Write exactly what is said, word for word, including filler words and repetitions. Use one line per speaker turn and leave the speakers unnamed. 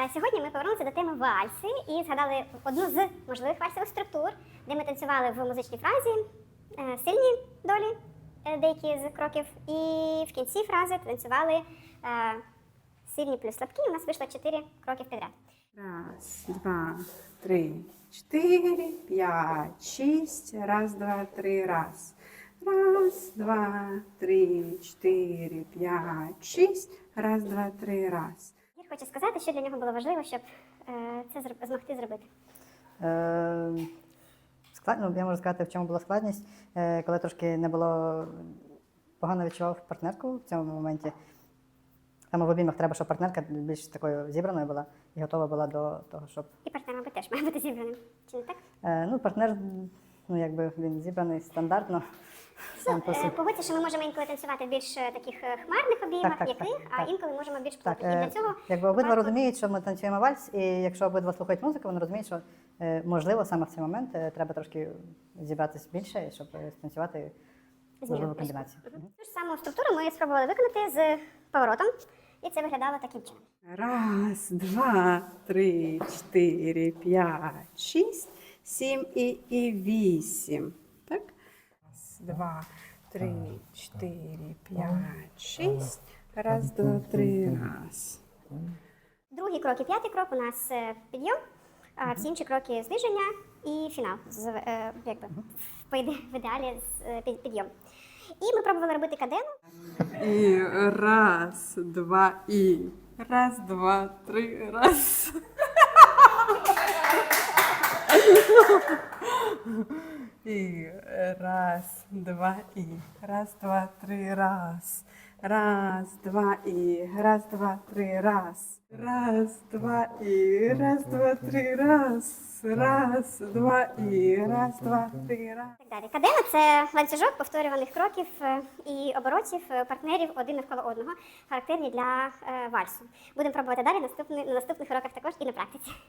Е, Сьогодні ми повернулися до теми вальси і згадали одну з можливих вальсових структур, де ми танцювали в музичній фразі е, сильні долі, е, деякі з кроків, і в кінці фрази танцювали е, сильні плюс слабкі. У нас вийшло чотири кроки підряд.
Раз, два, три, четыре, пять, шесть. Раз, два, три, раз. Раз, два, три, четыре, пять, шесть. Раз, два, три, раз.
Я хочу сказати, що для нього було важливо, щоб е, це зроб- змогти зробити.
Е, склад... ну, я можу сказати, в чому була складність, е, коли трошки не було, погано відчував партнерку в цьому моменті. Саме в обіймах треба, щоб партнерка більш такою зібраною була і готова була до того, щоб...
І партнер, мабуть, теж має бути зібраним. Чи не так?
Е, ну, партнер, ну, якби він зібраний стандартно. Сам по
Е,
собі.
Погодьте, що ми можемо інколи танцювати в більш е, таких е, хмарних обіймах,
Так, так,
яких,
так,
а
так.
інколи можемо більш
Так,
плотних. І
е,
для цього
якби обидва
варто-
розуміють, що ми танцюємо вальс, і якщо обидва слухають музику, вони розуміють, що е, можливо саме в цей момент е, треба трошки зібратися більше, щоб е, станцювати можливу комбінацію.
Мгм. Ту ж саму структуру ми спробували виконати з поворотом, і це виглядало таким чином.
Раз, два, три, четыре, пять, шесть, семь и, и вісім. Так? Раз, два, три, четыре, пять, шесть. Раз, два, три, раз.
Другий крок і п'ятий крок у нас е, підйом, а всі інші кроки зниження і фінал, з, е, якби, в іде- в ідеалі з, е, під- підйом. І ми пробували робити кадену.
И раз, два, и. Раз, два, три, раз. И раз, два, и. Раз, два, три, раз. Раз, два, и. Раз, два, три, раз. Раз, два, и. Раз, два, три, раз. Раз, два, и. Раз, два, три, раз.
Так далі. Кадена – це ланцюжок повторюваних кроків е, і оборотів е, партнерів один навколо одного, характерні для е, вальсу. Будемо пробувати далі наступний- на наступних уроках також і на практиці.